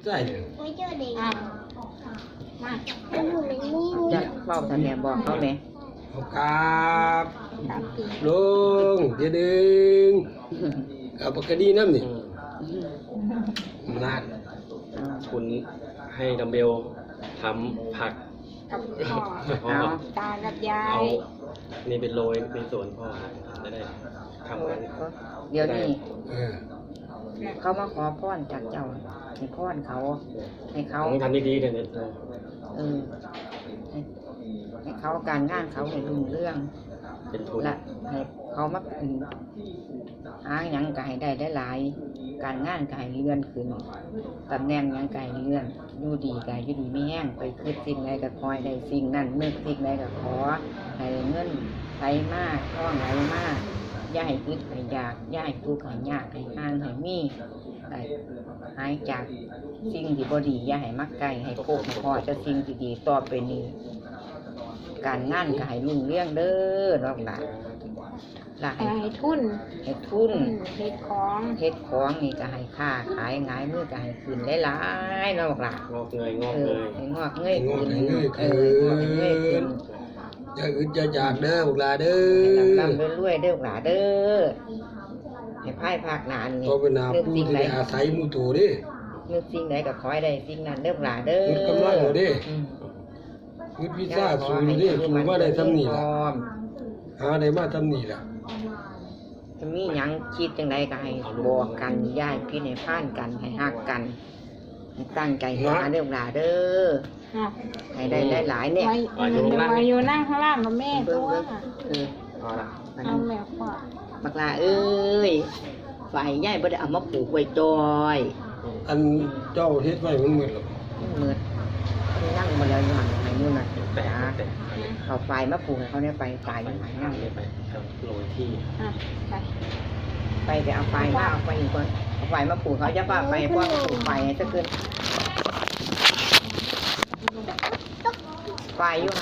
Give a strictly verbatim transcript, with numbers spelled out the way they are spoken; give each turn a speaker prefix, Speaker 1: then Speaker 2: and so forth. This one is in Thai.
Speaker 1: ใช่เลย
Speaker 2: ไม่เจอเด็ก
Speaker 3: อ่ะมา
Speaker 4: จะเฝ้าท่านแม่บอกเขาไหม
Speaker 1: ขอบครับ
Speaker 3: สามปี
Speaker 1: ลุงเดี๋ยวดึงเอาปากกาดีน้ำนี่นาน
Speaker 5: คุณให้ดัมเบลทำผัก
Speaker 3: กับพ่อ
Speaker 5: พ่อ
Speaker 4: เอา
Speaker 3: ตากับยา
Speaker 5: เอา
Speaker 3: ย
Speaker 5: นี่เป็นโรยในสวนพ่อจะได้ทำกัน
Speaker 4: เดี๋ยวนี้
Speaker 1: เออ
Speaker 4: เขามาขอพรจากเจ้าให้พรเขาให้เขา
Speaker 5: ต้องทำดีๆเดี๋ยวนี้
Speaker 4: เออให้ให้เขาการงานเขาให้รุ่งเรื่อง
Speaker 5: เป็นทุน
Speaker 4: และให้เขามาเป็นหาหยังก็ให้ได้ได้หลายการงานก็ให้เลื่อนขึ้นตำแหน่งหยังก็ให้เลื่อนอยู่ดีก็อยู่ดีไม่แห้งไปคิดสิ่งใดก็คอยได้สิ่งนั้นนึกสิ่งใดก็ขอให้เงินไหลมากท่องไหลมากอย่าให้คิดให้อยากอย่าให้ทุกข์ให้ยากให้ห่างให้มีให้หายจากสิ่งที่บ่ดีอย่าให้มักไกลให้พบให้พอจะสิ่งที่ดีต่อไปนี้การงานก็ให้รุ่งเรืองเด้อน้องหลานหลาน
Speaker 3: ให้ทุน
Speaker 4: ให้ทุน
Speaker 3: อืมเฮ็ดของ
Speaker 4: เฮ็ดของนี่ก็ให้ค่าขายหงายมือก็ให้ขึ้นหลายๆน้องหลาน
Speaker 5: งอกเงยงอก
Speaker 4: เอ
Speaker 5: เง
Speaker 4: อย ให้งอกเงยขึ้นเอองอกเงยขึ้น
Speaker 1: จะอึดจะอยากเด้อพวกหลาเด้
Speaker 4: ให้
Speaker 1: อ
Speaker 4: ลำลำรวยๆเด้อหลานเด้อให้พายภาคหนานนี่
Speaker 1: ก็เป็นนา
Speaker 4: นึก
Speaker 1: ผู้
Speaker 4: สิ่ง
Speaker 1: ที่
Speaker 4: ใด
Speaker 1: ได้อาศัยหมู่โตเดิ
Speaker 4: นึกสิ่งใดก็ขอให้ได้สิ่งนั้นเด้อหลานเด้อ
Speaker 1: นึกกำลังเอาเด้
Speaker 4: อืม
Speaker 1: นึกวิชาสูงเด้สูงมาได้ทำนี่ล่ะหาได้มาทำนี่ล่ะ
Speaker 4: จะมีหยังคิดจังใดก็ให้บอกกันย้ายพี่ในผ่านกันให้ฮักกันให้ตั้งใจหาเด้อหลานเด้อ
Speaker 3: อ่ะ
Speaker 4: ให้ได้หลายๆเนี่ย
Speaker 3: ไว้ไว้อยู่นั่งข้างล่างกับแม่
Speaker 4: เบิ่
Speaker 3: ตั
Speaker 4: ง
Speaker 3: ว
Speaker 4: เบิ่งเออ
Speaker 5: เอาละ
Speaker 4: มัน
Speaker 3: เอาแม่พ่อ
Speaker 4: บักลาเอ้ยฝ่ายใหญ่บ่ได้เอามาปลูกไว้จอย
Speaker 1: อันเจ้าเฮ็ดไว้มันหมดแล้ว
Speaker 4: เมือดนั่งมาแล้วอยู่หันไหนนู่นน่ะ
Speaker 5: แตะแตะ
Speaker 4: เอาฝ่ายมาปลูกให้เขาเนี่ยไปฝ่ายอยู่หันนั่ง
Speaker 5: นี่ไปโรยที่
Speaker 3: อ่ะไป
Speaker 4: ไปไปเอาฝ่ายมาเอาไปอีกคนเอาฝ่ายมาปลูกเขาจะป้าไปเพราะปลูกฝ่ายจะขึ้นฝ่ายอยู่